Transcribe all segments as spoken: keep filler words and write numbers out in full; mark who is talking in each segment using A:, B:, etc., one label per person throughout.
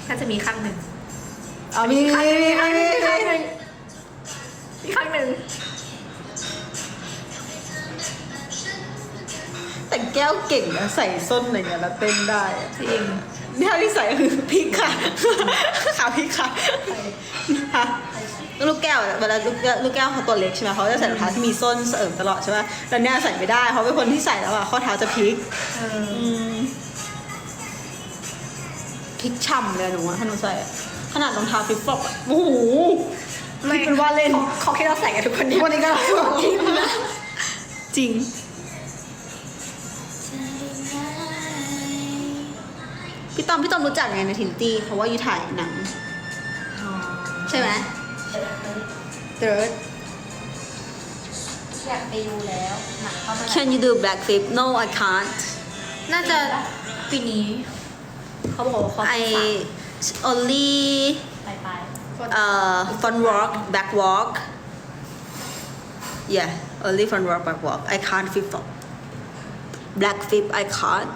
A: น่าจะมีครั้งหนึ่ง
B: อ๋อมีมีมีมีมี
A: มีครั้งหนึ่งมีครั้งหนึ่ง
B: แต่แก้วเก่งนะใส่ส้นอะไรเงี้ยแล้วเต้นได้อะ
A: จริง
B: นี่ถ้าที่ใส่คือพริกค่ะ ขาพริกค่ะฮะลูกแก้วเวลาลูกแก้วลูกแก้วเขาตัวเล็กใช่ไหมเขาจะใส่รองเท้าที่มีส้นเสริมตลอดใช่ไหมแต่เนี่ยใส่ไม่ได้เพราะเป็นคนที่ใส่แล้วอะข้อเท้าจะพลิก
A: เออ
B: อืมพลิกช่ำเลยหนูอะถ้าหนูใส่อะขนาดรองเท้าฟลิปฟลอปอะโอ้โหไม่เป็นว่าเล่น
A: เขาเขาคิดเราใส่กันทุกคนเนี่ย
B: วันนี้ก็จริงนะจริงพี่ต้อมพี่ต้อมรู้จักไงในทินตี้เขาว่าอยู่ถ่ายหนังใช่ไหมเติร์ด
C: อยากไปดูแล้วหนังเข้ามา
B: Can you do black flip No I can't
A: น่าจะปีนี้ เขาบอกว่าเขา
B: I only
C: ไปไป
B: uh front walk back walk yeah only front walk back walk I can't flip flop black flip I can't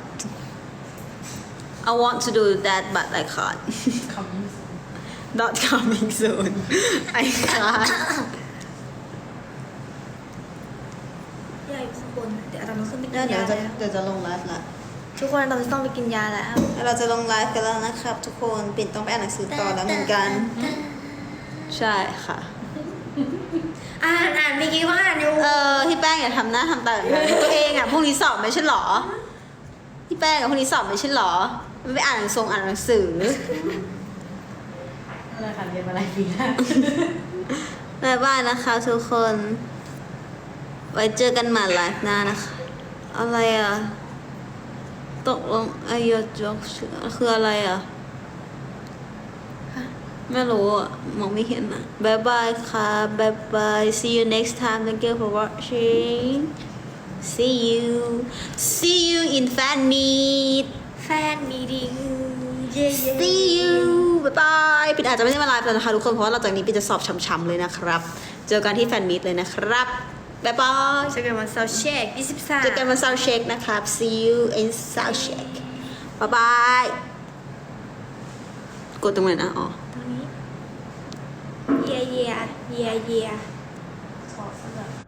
B: I want to do that but I can't
C: คำนี้
B: not coming soon I can't
A: ใหญ่ข้างบนเดี๋ยวเราต้องขึ้นไปกิ
B: เดี๋ย
A: น
B: วเดี๋ย
A: ยาว
B: จะ
A: แล้ว
B: เดี๋ยวจะลงไลฟ์ละ
A: ทุกคนเราจะต้องไปกินยาแล้ว
B: เราจะลงไลฟ์กันแล้วนะครับทุกคนปิ่นต้องไปอ่านหนังสือต่อแล้วเหมือนกัน ใช่ค่ะ
A: อ่านอ่านเมื่อกี้ว่าอ่านอยู่
B: เออพี่แป้งอย่าทำหน้าทำตาแบบนั้นตัวเองอ่ะพรุ่งนี้สอบไม่ใช่หรอพี่แป้งอ่ะพรุ่งนี้สอบไม่ใช่หรอไม่ไปอ่านหนังสืออ่านหนังสือ
C: อะไรค่ะเรียนมาหลายปีแล้ว
B: บ๊ายบายนะคะทุกคน ไว้เจอกันใหม่ไลฟ์หน้านะคะ อะไรอ่ะ ตกลงไอโยจกคืออะไรอ่ะ ไม่รู้อ่ะ มองไม่เห็นอ่ะบ๊ายบายค่ะบ๊ายบาย see you next time thank you for watching see you see you in fan meet
A: แฟนมีดิ้งเย่เย่
B: see you บ๊ายบายปิดอาจจะไม่ได้มาไลฟ์แล้วนะคะทุกคน เพราะว่าหลังจากนี้ปิดจะสอบช้ำๆเลยนะครับ เจอกันที่แฟนมีตเลยนะครับบ๊ายบาย
A: เจอกันวันเสาร์เช็คยี่สิบสาม
B: เจอกันวันเสาร์เช็คนะครับ see you in South Check บ๊ายบาย กดตรงไหนนะ อ๋อ
A: ตรงนี้เย่เย่เย่เย่
C: ขอสักแบบ